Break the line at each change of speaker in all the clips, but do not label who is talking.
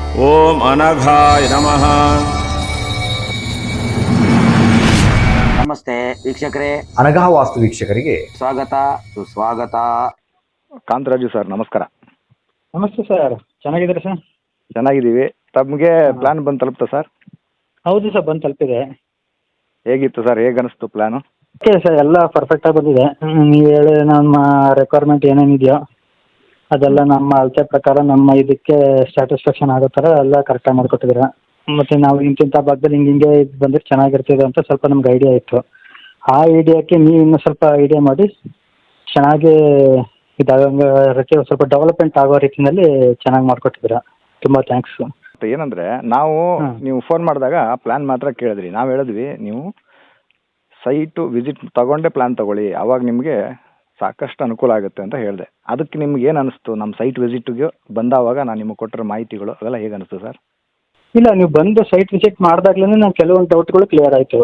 ಓಂ ಅನಘಾಯ ನಮಃ.
ನಮಸ್ತೆ ವೀಕ್ಷಕರೇ,
ಅನಘಾ ವಾಸ್ತು ವೀಕ್ಷಕರಿಗೆ
ಸ್ವಾಗತ ಸುಸ್ವಾಗತ.
ಕಾಂತರಾಜು ಸರ್ ನಮಸ್ಕಾರ.
ನಮಸ್ತೆ ಸರ್, ಚೆನ್ನಾಗಿದ್ದೀರಾ ಸರ್?
ಚೆನ್ನಾಗಿದ್ದೀವಿ. ತಮಗೆ ಪ್ಲಾನ್ ಬಂದು ತಲುಪ್ತಾ ಸರ್?
ಹೌದು ಸರ್, ಬಂದು ತಲುಪಿದೆ.
ಹೇಗಿತ್ತು ಸರ್, ಹೇಗೆ ಅನಿಸ್ತು ಪ್ಲಾನು?
ಓಕೆ ಸರ್, ಎಲ್ಲ ಪರ್ಫೆಕ್ಟಾಗಿ ಬಂದಿದೆ. ನೀವು ಹೇಳಿ ನಮ್ಮ ರಿಕ್ವೈರ್ಮೆಂಟ್ ಏನೇನಿದೆಯೋ ಅದೆಲ್ಲ ನಮ್ಮ ಅಳತೆ ಪ್ರಕಾರ ನಮ್ಮ ಇದಕ್ಕೆ ಸ್ಯಾಟಿಸ್ಫ್ಯಾಕ್ಷನ್ ಆಗೋ ಥರ ಎಲ್ಲ ಕರೆಕ್ಟಾಗಿ ಮಾಡಿಕೊಟ್ಟಿದ್ದೀರಾ. ಮತ್ತು ನಾವು ಇಂತಿಂಥ ಭಾಗದಲ್ಲಿ ಹಿಂಗೆ ಇದು ಬಂದರೆ ಚೆನ್ನಾಗಿರ್ತದೆ ಅಂತ ಸ್ವಲ್ಪ ನಮ್ಗೆ ಐಡಿಯಾ ಇತ್ತು. ಆ ಐಡಿಯಾಕ್ಕೆ ನೀವು ಇನ್ನೂ ಸ್ವಲ್ಪ ಐಡಿಯಾ ಮಾಡಿ ಚೆನ್ನಾಗಿ ಇದಾಗಂಗೆ ಸ್ವಲ್ಪ ಡೆವಲಪ್ಮೆಂಟ್ ಆಗೋ ರೀತಿಯಲ್ಲಿ ಚೆನ್ನಾಗಿ ಮಾಡಿಕೊಟ್ಟಿದ್ದೀರಾ. ತುಂಬ ಥ್ಯಾಂಕ್ಸು.
ಏನಂದರೆ ನಾವು ನೀವು ಫೋನ್ ಮಾಡಿದಾಗ ಪ್ಲಾನ್ ಮಾತ್ರ ಕೇಳಿದ್ರಿ. ನಾವು ಹೇಳಿದ್ವಿ ನೀವು ಸೈಟು ವಿಸಿಟ್ ತಗೊಂಡೇ ಪ್ಲಾನ್ ತಗೊಳ್ಳಿ, ಆವಾಗ ನಿಮಗೆ ಸಾಕಷ್ಟು ಅನುಕೂಲ ಆಗುತ್ತೆ ಅಂತ ಹೇಳಿದೆ. ಅದಕ್ಕೆ ನಿಮ್ಗೆ ಏನು ಅನಿಸ್ತು? ನಮ್ಮ ಸೈಟ್ ವಿಸಿಟ್ಗೆ ಬಂದಾವಾಗ ನಾನು ನಿಮಗೆ ಕೊಟ್ಟಿರೋ ಮಾಹಿತಿಗಳು ಅವೆಲ್ಲ ಹೇಗೆ ಅನಿಸ್ತು ಸರ್?
ಇಲ್ಲ, ನೀವು ಬಂದು ಸೈಟ್ ವಿಸಿಟ್ ಮಾಡಿದಾಗ್ಲೇ ನಾನು ಕೆಲವೊಂದು ಡೌಟ್ಗಳು ಕ್ಲಿಯರ್ ಆಯಿತು.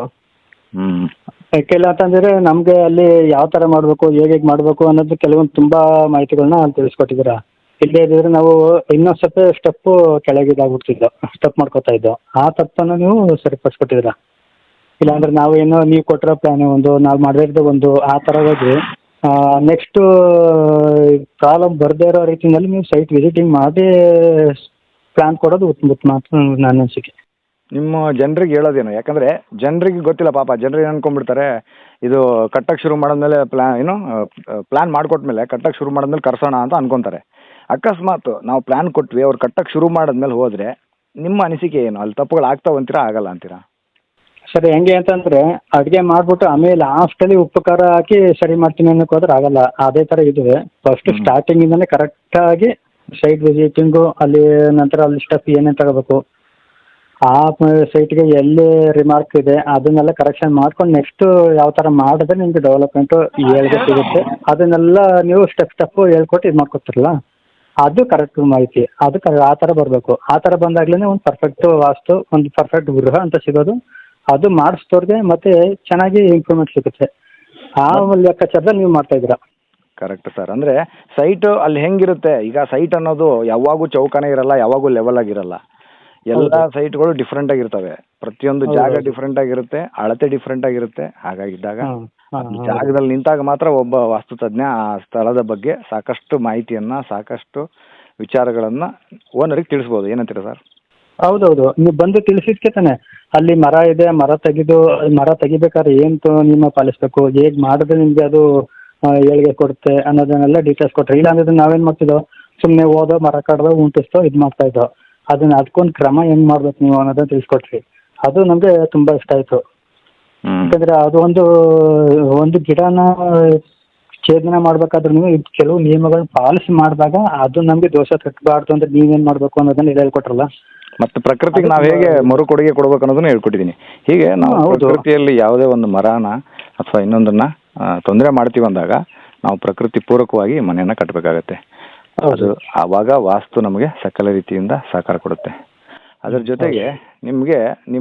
ಯಾಕೆಲ್ಲ ಅಂತಂದರೆ ನಮಗೆ ಅಲ್ಲಿ ಯಾವ ಥರ ಮಾಡಬೇಕು, ಹೇಗೆ ಮಾಡಬೇಕು ಅನ್ನೋದು ಕೆಲವೊಂದು ತುಂಬ ಮಾಹಿತಿಗಳನ್ನ ಅಲ್ಲಿ ತಿಳಿಸ್ಕೊಟ್ಟಿದ್ದೀರಾ. ಇಲ್ಲದೇ ಇದ್ದರೆ ನಾವು ಇನ್ನೊಂದು ಸ್ವಲ್ಪ ಸ್ಟೆಪ್ಪು ಕೆಳಗಿದಾಗ್ಬಿಡ್ತಿದ್ದೋ, ಸ್ಟೆಪ್ ಮಾಡ್ಕೋತಾ ಇದ್ದೋ. ಆ ತಪ್ಪನ್ನು ನೀವು ಸರಿಪಡಿಸ್ಕೊಟ್ಟಿದ್ದೀರಾ. ಇಲ್ಲಾಂದರೆ ನಾವೇನೋ ನೀವು ಕೊಟ್ಟಿರೋ ಪ್ಲ್ಯಾನು ಒಂದು, ನಾವು ಮಾಡಿರೋದು ಒಂದು, ಆ ಥರ ಹೋಗಿ ನೆಕ್ಸ್ಟು ಪ್ರಾಬ್ಲಮ್ ಬರದೇ ಇರೋ ರೀತಿಯಲ್ಲಿ ನೀವು ಸೈಟ್ ವಿಸಿಟಿಂಗ್ ಮಾಡಿ ಪ್ಲ್ಯಾನ್ ಕೊಡೋದು ಉತ್ತಮ ಅಂತ ನನ್ನ ಅನಿಸಿಕೆ.
ನಿಮ್ಮ ಜನರಿಗೆ ಹೇಳೋದೇನು? ಯಾಕಂದರೆ ಜನರಿಗೆ ಗೊತ್ತಿಲ್ಲ ಪಾಪ. ಜನರಿಗೆ ಅನ್ಕೊಂಡ್ಬಿಡ್ತಾರೆ ಇದು ಕಟ್ಟಕ್ಕೆ ಶುರು ಮಾಡಿದ್ಮೇಲೆ ಪ್ಲ್ಯಾನ್ ಮಾಡಿಕೊಟ್ಮೇಲೆ ಕಟ್ಟಕ್ಕೆ ಶುರು ಮಾಡಿದ್ಮೇಲೆ ಕರ್ಸೋಣ ಅಂತ ಅನ್ಕೊತಾರೆ. ಅಕಸ್ಮಾತ್ ನಾವು ಪ್ಲ್ಯಾನ್ ಕೊಟ್ವಿ, ಅವ್ರು ಕಟ್ಟಕ್ಕೆ ಶುರು ಮಾಡಿದ್ಮೇಲೆ ಹೋದರೆ ನಿಮ್ಮ ಅನಿಸಿಕೆ ಏನು? ಅಲ್ಲಿ ತಪ್ಪುಗಳು ಆಗ್ತಾವ ಅಂತೀರಾ, ಆಗಲ್ಲ ಅಂತೀರಾ?
ಸರಿ, ಹೆಂಗೆ ಅಂತಂದರೆ ಅಡುಗೆ ಮಾಡಿಬಿಟ್ಟು ಆಮೇಲೆ ಲಾಸ್ಟಲ್ಲಿ ಉಪ್ಪು ಖಾರ ಹಾಕಿ ಸರಿ ಮಾಡ್ತೀನಿ ಅನ್ನೋಕೆ ಹೋದ್ರೆ ಆಗಲ್ಲ. ಅದೇ ಥರ ಇದೆ. ಫಸ್ಟು ಸ್ಟಾರ್ಟಿಂಗಿಂದಲೇ ಕರೆಕ್ಟಾಗಿ ಸೈಟ್ ವಿಸಿಟಿಂಗು, ಅಲ್ಲಿ ನಂತರ ಅಲ್ಲಿ ಸ್ಟೆಪ್ ಏನೇನು ತಗೋಬೇಕು, ಆ ಸೈಟ್ಗೆ ಎಲ್ಲಿ ರಿಮಾರ್ಕ್ ಇದೆ ಅದನ್ನೆಲ್ಲ ಕರೆಕ್ಷನ್ ಮಾಡ್ಕೊಂಡು ನೆಕ್ಸ್ಟು ಯಾವ ಥರ ಮಾಡಿದ್ರೆ ನಿಮಗೆ ಡೆವಲಪ್ಮೆಂಟು ಹೇಳ್ಗೆ ಸಿಗುತ್ತೆ, ಅದನ್ನೆಲ್ಲ ನೀವು ಸ್ಟೆಪ್ಪು ಹೇಳ್ಕೊಟ್ಟು ಇದು ಮಾಡ್ಕೊತಿರಲ್ಲ, ಅದು ಕರೆಕ್ಟ್ ಮಾಹಿತಿ. ಅದು ಆ ಥರ ಬರಬೇಕು. ಆ ಥರ ಬಂದಾಗಲೇ ಒಂದು ಪರ್ಫೆಕ್ಟು ವಾಸ್ತು, ಒಂದು ಪರ್ಫೆಕ್ಟ್ ಗೃಹ ಅಂತ ಸಿಗೋದು. ಅದು ಮಾಡಿಸ್ತೋರ್ಗೆ ಮತ್ತೆ ಚೆನ್ನಾಗಿ ಇಂಪ್ರೂವ್ಮೆಂಟ್ ಸಿಗುತ್ತೆ. ಆ ಲೆಕ್ಕಾಚಾರದಲ್ಲಿ ನೀವು ಮಾಡ್ತಾಯಿದ್ದೀರಾ.
Correct sir. ಅಂದರೆ ಸೈಟು ಅಲ್ಲಿ ಹೆಂಗಿರುತ್ತೆ, ಈಗ ಸೈಟ್ ಅನ್ನೋದು ಯಾವಾಗೂ ಚೌಕನೇ ಇರಲ್ಲ, ಯಾವಾಗೂ ಲೆವೆಲ್ ಆಗಿರಲ್ಲ. ಎಲ್ಲ ಸೈಟ್ಗಳು ಡಿಫ್ರೆಂಟ್ ಆಗಿರ್ತವೆ. ಪ್ರತಿಯೊಂದು ಜಾಗ ಡಿಫ್ರೆಂಟ್ ಆಗಿರುತ್ತೆ, ಅಳತೆ ಡಿಫ್ರೆಂಟ್ ಆಗಿರುತ್ತೆ. ಹಾಗಾಗಿದ್ದಾಗ ಜಾಗದಲ್ಲಿ ನಿಂತಾಗ ಮಾತ್ರ ಒಬ್ಬ ವಾಸ್ತುತಜ್ಞ ಆ ಸ್ಥಳದ ಬಗ್ಗೆ ಸಾಕಷ್ಟು ಮಾಹಿತಿಯನ್ನು, ಸಾಕಷ್ಟು ವಿಚಾರಗಳನ್ನು ಓನರಿಗೆ ತಿಳಿಸ್ಬೋದು. ಏನಂತೀರ ಸರ್?
ಹೌದೌದು, ನೀವು ಬಂದು ತಿಳಿಸಿದ್ಕೆ ತಾನೆ ಅಲ್ಲಿ ಮರ ಇದೆ, ಮರ ತೆಗಿಬೇಕಾದ್ರೆ ಏನು ನಿಮ್ಮ ಪಾಲಿಸಬೇಕು, ಹೇಗೆ ಮಾಡಿದ್ರೆ ನಿಮಗೆ ಅದು ಏಳಿಗೆ ಕೊಡುತ್ತೆ ಅನ್ನೋದನ್ನೆಲ್ಲ ಡೀಟೇಲ್ಸ್ ಕೊಟ್ಟರೆ. ಇಲ್ಲಾಂದ್ರೆ ನಾವೇನು ಮಾಡ್ತಿದ್ದೋ, ಸುಮ್ಮನೆ ಓದೋ, ಮರ ಕಡ್ದೋ, ಉಂಟಿಸ್ತೋ ಇದು ಮಾಡ್ತಾ ಇದ್ದೋ. ಅದಕ್ಕೊಂದು ಕ್ರಮ ಹೆಂಗೆ ಮಾಡ್ಬೇಕು ನೀವು ಅನ್ನೋದನ್ನ ತಿಳಿಸ್ಕೊಟ್ರಿ. ಅದು ನಮಗೆ ತುಂಬ ಇಷ್ಟ ಆಯಿತು. ಯಾಕಂದರೆ ಅದು ಒಂದು ಗಿಡನ ಛೇದನ ಮಾಡಬೇಕಾದ್ರೂ ನೀವು ಕೆಲವು ನಿಯಮಗಳನ್ನ ಪಾಲಿಸಿ ಮಾಡಿದಾಗ ಅದು ನಮಗೆ ದೋಷ ತಟ್ಟಬಾರ್ದು ಅಂದರೆ ನೀವೇನು ಮಾಡಬೇಕು ಅನ್ನೋದನ್ನ ಹೇಳ್ಕೊಟ್ರಲ್ಲ.
ಮತ್ತು ಪ್ರಕೃತಿಗೆ ನಾವು ಹೇಗೆ ಮರುಕೊಡುಗೆ ಕೊಡ್ಬೇಕು ಅನ್ನೋದನ್ನ ಹೇಳ್ಕೊಟ್ಟಿದ್ದೀನಿ. ಹೀಗೆ ನಾವು ಪ್ರಕೃತಿಯಲ್ಲಿ ಯಾವುದೇ ಒಂದು ಮರನ ಅಥವಾ ಇನ್ನೊಂದನ್ನ ತೊಂದರೆ ಮಾಡ್ತೀವಿ ಅಂದಾಗ ನಾವು ಪ್ರಕೃತಿ ಪೂರಕವಾಗಿ ಮನೆಯನ್ನು ಕಟ್ಟಬೇಕಾಗತ್ತೆ. ಅದು ಆವಾಗ ವಾಸ್ತು ನಮಗೆ ಸಕಲ ರೀತಿಯಿಂದ ಸಹಕಾರ ಕೊಡುತ್ತೆ. ಅದರ ಜೊತೆಗೆ ನಿಮಗೆ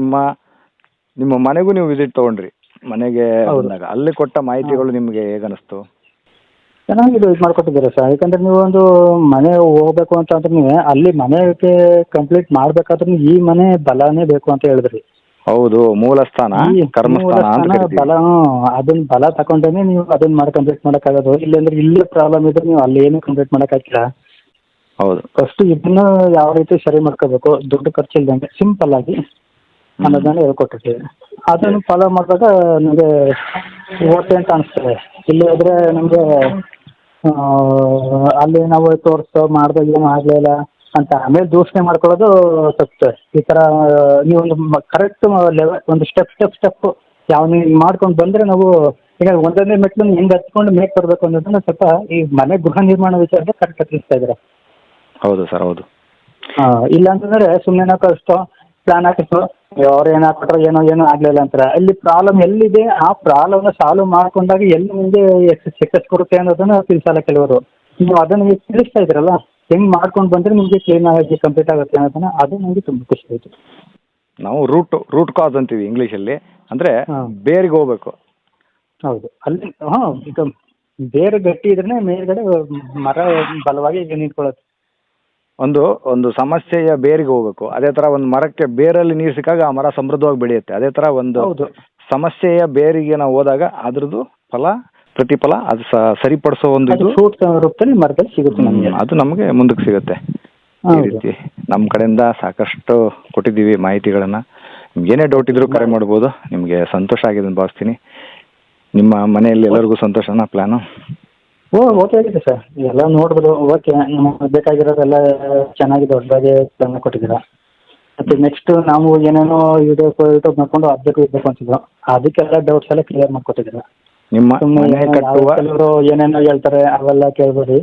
ನಿಮ್ಮ ಮನೆಗೂ ನೀವು ವಿಸಿಟ್ ತೊಗೊಂಡ್ರಿ. ಮನೆಗೆ ಬಂದಾಗ ಅಲ್ಲಿ ಕೊಟ್ಟ ಮಾಹಿತಿಗಳು ನಿಮಗೆ ಹೇಗನ್ನಿಸ್ತು?
ಚೆನ್ನಾಗಿದೆ, ಇದು ಮಾಡ್ಕೊಟ್ಟಿದ್ದೀರಾ ಸರ್. ಯಾಕಂದರೆ ನೀವು ಒಂದು ಮನೆ ಹೋಗ್ಬೇಕು ಅಂತ ಅಂದ್ರೆ ನೀವು ಅಲ್ಲಿ ಮನೆಗೆ ಕಂಪ್ಲೀಟ್ ಮಾಡಬೇಕಾದ್ರೂ ಈ ಮನೆ ಬಲನೇ ಬೇಕು ಅಂತ ಹೇಳಿದ್ರಿ.
ಹೌದು, ಮೂಲ ಸ್ಥಾನ ಕರ್ಮಸ್ಥಾನ ಅಂತ ಕರಿತೀವಿ.
ಬಲ, ಅದನ್ನ ಬಲ ತಗೊಂಡೇನೆ ನೀವು ಅದನ್ನ ಮಾಡಿ ಕಂಪ್ಲೀಟ್ ಮಾಡೋಕ್ಕಾಗೋದು. ಇಲ್ಲಾಂದ್ರೆ ಇಲ್ಲೇ ಪ್ರಾಬ್ಲಮ್ ಇದ್ರೆ ನೀವು ಅಲ್ಲಿ ಏನು ಕಂಪ್ಲೀಟ್ ಮಾಡೋಕ್ಕಾಗಿಲ್ಲ.
ಹೌದು,
ಫಸ್ಟ್ ಇದನ್ನ ಯಾವ ರೀತಿ ಸರಿ ಮಾಡ್ಕೋಬೇಕು, ದುಡ್ಡು ಖರ್ಚಿಲ್ದಂಗೆ ಸಿಂಪಲ್ ಆಗಿ ಅನ್ನೋದನ್ನ ಹೇಳ್ಕೊಟ್ಟಿರ್ತೀವಿ. ಅದನ್ನು ಫಾಲೋ ಮಾಡಿದಾಗ ನಮಗೆ ಓಕೆ ಅಂತ ಅನಿಸ್ತದೆ. ಇಲ್ಲಿ ಹೋದರೆ ನಮಗೆ ಅಲ್ಲಿ ನಾವು ತೋರಿಸ್ತೋ ಮಾಡಿದಾಗ ಏನು ಆಗಲಿಲ್ಲ ಅಂತ ಆಮೇಲೆ ದೂಷಣೆ ಮಾಡ್ಕೊಳ್ಳೋದು ತಪ್ಪು. ಈ ಥರ ನೀವು ಒಂದು ಕರೆಕ್ಟ್ ಲೆವೆಲ್, ಒಂದು ಸ್ಟೆಪ್ ಯಾವ ನೀವು ಮಾಡ್ಕೊಂಡು ಬಂದರೆ ನಾವು ಈಗ ಒಂದೊಂದೇ ಮೆಟ್ಲು ಹೆಂಗೆ ಹತ್ಕೊಂಡು ಮೇಕ್ ಬರಬೇಕು ಅನ್ನೋದನ್ನ ಸ್ವಲ್ಪ ಈ ಮನೆ ಗೃಹ ನಿರ್ಮಾಣ ವಿಚಾರದಲ್ಲಿ ಕರೆಕ್ಟಾಗಿ ತಿಳಿಸ್ತಾ ಇದ್ದಾರೆ.
ಹೌದು ಸರ್, ಹೌದು.
ಇಲ್ಲ ಅಂತಂದರೆ ಸುಮ್ಮನೆ ನಾವು ಕಳಿಸ್ತೋ, ಪ್ಲಾನ್ ಹಾಕಿಸ್ತೋ, ಅವ್ರು ಏನು ಹಾಕ್ಬಿಟ್ರೆ ಏನೋ ಆಗಲಿಲ್ಲ ಅಂತಾರೆ. ಅಲ್ಲಿ ಪ್ರಾಬ್ಲಮ್ ಎಲ್ಲಿದೆ ಆ ಪ್ರಾಬ್ಲಮ್ನ ಸಾಲ್ವ್ ಮಾಡ್ಕೊಂಡಾಗ ಎಲ್ಲಿ ಮುಂದೆ ಸಕ್ಸಸ್ ಕೊಡುತ್ತೆ ಅನ್ನೋದನ್ನು ತಿಳಿಸಲ್ಲ ಕೆಲವರು. ನೀವು ಅದನ್ನು ಈಗ ತಿಳಿಸ್ತಾ ಇದ್ದೀರಲ್ಲ, ಹೆಂಗೆ ಮಾಡ್ಕೊಂಡು ಬಂದರೆ ನಿಮಗೆ ಕ್ಲೀನ್ ಆಗಿ ಕಂಪ್ಲೀಟ್ ಆಗುತ್ತೆ ಅನ್ನೋದನ್ನು, ಅದು ನನಗೆ ತುಂಬ ಖುಷಿ ಆಯಿತು.
ನಾವು ರೂಟ್ ಕಾಸ್ ಅಂತೀವಿ ಇಂಗ್ಲೀಷಲ್ಲಿ. ಅಂದರೆ ಬೇರಿಗೆ ಹೋಗ್ಬೇಕು.
ಹೌದು, ಅಲ್ಲಿ ಈಗ ಬೇರೆ ಗಟ್ಟಿ ಇದ್ರೆ ಮೇಲ್ಗಡೆ ಮರ ಬಲವಾಗಿ ನಿಂತ್ಕೊಳ್ಳುತ್ತೆ.
ಒಂದು ಸಮಸ್ಯೆಯ ಬೇರಿಗೆ ಹೋಗ್ಬೇಕು. ಅದೇ ತರ ಒಂದು ಮರಕ್ಕೆ ಬೇರಲ್ಲಿ ನೀರು ಸಿಕ್ಕಾಗ ಆ ಮರ ಸಮೃದ್ಧವಾಗಿ ಬೆಳೆಯುತ್ತೆ. ಅದೇ ತರ ಒಂದು
ಹೌದು.
ಸಮಸ್ಯೆಯ ಬೇರಿಗೆ ನಾವು ಹೋದಾಗ ಅದ್ರದ್ದು ಪ್ರತಿಫಲ ಅದು ಸರಿಪಡಿಸೋ ಒಂದು
ಅದು ಫ್ರೂಟ್ ರೂಪದಲ್ಲಿ ಮರದಲ್ಲಿ ಸಿಗುತ್ತೆ ನಮಗೆ.
ಅದು ನಮಗೆ ಮುಂದಕ್ಕೆ ಸಿಗುತ್ತೆ. ಈ
ಹೌದು.
ರೀತಿ ನಮ್ಮ ಕಡೆಯಿಂದ ಸಾಕಷ್ಟು ಕೊಟ್ಟಿದ್ದೀವಿ ಮಾಹಿತಿಗಳನ್ನ. ನಿಮ್ಗೆ ಏನೇ ಡೌಟ್ ಇದ್ರೂ ಕರೆ ಮಾಡ್ಬೋದು. ನಿಮಗೆ ಸಂತೋಷ ಆಗಿದೆ ಅಂತ ಭಾವಿಸ್ತೀನಿ. ನಿಮ್ಮ ಮನೆಯಲ್ಲಿ ಎಲ್ಲರಿಗೂ ಸಂತೋಷನಾ ಪ್ಲಾನು?
ಓಕೆ ಆಗಿದೆ ಸರ್, ಎಲ್ಲ ನೋಡ್ಬೋದು. ಓಕೆ, ನಮಗೆ ಬೇಕಾಗಿರೋದೆಲ್ಲ ಚೆನ್ನಾಗಿ ದೊಡ್ಡದಾಗಿ ಪ್ಲಾನ್ ಕೊಟ್ಟಿದ್ದೀರಾ. ಮತ್ತೆ ನೆಕ್ಸ್ಟ್ ನಾವು ಏನೇನೋ ಯೂಟ್ಯೂಬ್ ಮಾಡ್ಕೊಂಡು ಅಪ್ಡೇಟ್ ಇರಬೇಕು ಅಂತಿದ್ರು, ಅದಕ್ಕೆಲ್ಲ ಡೌಟ್ಸ್ ಎಲ್ಲ ಕ್ಲಿಯರ್ ಮಾಡ್ಕೊಟ್ಟಿದ್ದೀರಾ.
ನಿಮ್ಮ ಮನೆ ಕಟ್ಟುವ
ಕೆಲವರು ಏನೇನೋ ಹೇಳ್ತಾರೆ ಅವೆಲ್ಲ ಕೇಳ್ಬೇಡಿ.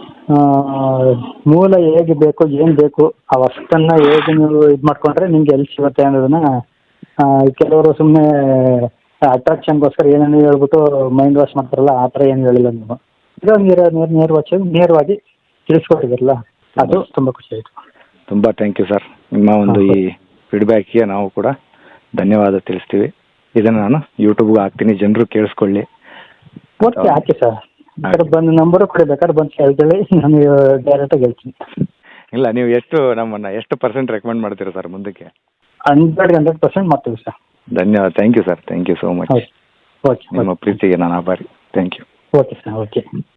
ಮೂಲ ಹೇಗೆ ಬೇಕು, ಏನು ಬೇಕು ಅವಷ್ಟನ್ನ ಹೇಗೆ ನೀವು ಇದು ಮಾಡ್ಕೊಂಡ್ರೆ ನಿಮ್ಗೆ ಎಲ್ಲಿ ಸಿಗುತ್ತೆ ಅನ್ನೋದನ್ನ ಕೆಲವರು ಸುಮ್ಮನೆ ಅಟ್ರಾಕ್ಷನ್ಗೋಸ್ಕರ ಏನೇನೋ ಹೇಳ್ಬಿಟ್ಟು ಮೈಂಡ್ ವಾಶ್ ಮಾಡ್ತಾರಲ್ಲ, ಆ ಥರ ಏನು ಹೇಳಿಲ್ಲ ನೀವು. ಇದು ನೇರವಾಗಿ ತಿಳಿಸ್ಕೊಟ್ಟಿದ್ರಲ್ಲ, ಅದು ತುಂಬ ಖುಷಿ ಆಯಿತು.
ತುಂಬ ಥ್ಯಾಂಕ್ ಯು ಸರ್. ನಿಮ್ಮ ಒಂದು ಈ ಫೀಡ್ಬ್ಯಾಕ್ಗೆ ನಾವು ಕೂಡ ಧನ್ಯವಾದ ತಿಳಿಸ್ತೀವಿ. ಇದನ್ನು ನಾನು ಯೂಟ್ಯೂಬ್ಗೆ ಹಾಕ್ತೀನಿ, ಜನರು ಕೇಳಿಸ್ಕೊಳ್ಳಿ.
ಓಕೆ, ಹಾಕಿ ಸರ್. ಬೇಕಾದ್ರೆ ಬಂದು ನಂಬರು ಕೊಡಿ, ಬೇಕಾದ್ರೆ ಬಂದು ಕೇಳ್ತೇಳಿ, ನಾನು ಡೈರೆಕ್ಟಾಗಿ ಹೇಳ್ತೀನಿ.
ಇಲ್ಲ, ನೀವು ನಮ್ಮನ್ನು ಎಷ್ಟು ಪರ್ಸೆಂಟ್ ರೆಕಮೆಂಡ್ ಮಾಡ್ತೀರಾ ಸರ್ ಮುಂದಕ್ಕೆ?
100% ಮಾಡ್ತೀವಿ ಸರ್.
ಧನ್ಯವಾದ. Thank you sir. Thank you so much.
Okay.
ನಿಮ್ಮ ಪ್ರೀತಿಗೆ ನಾನು ಆಭಾರಿ. Thank you.
Okay sir, okay.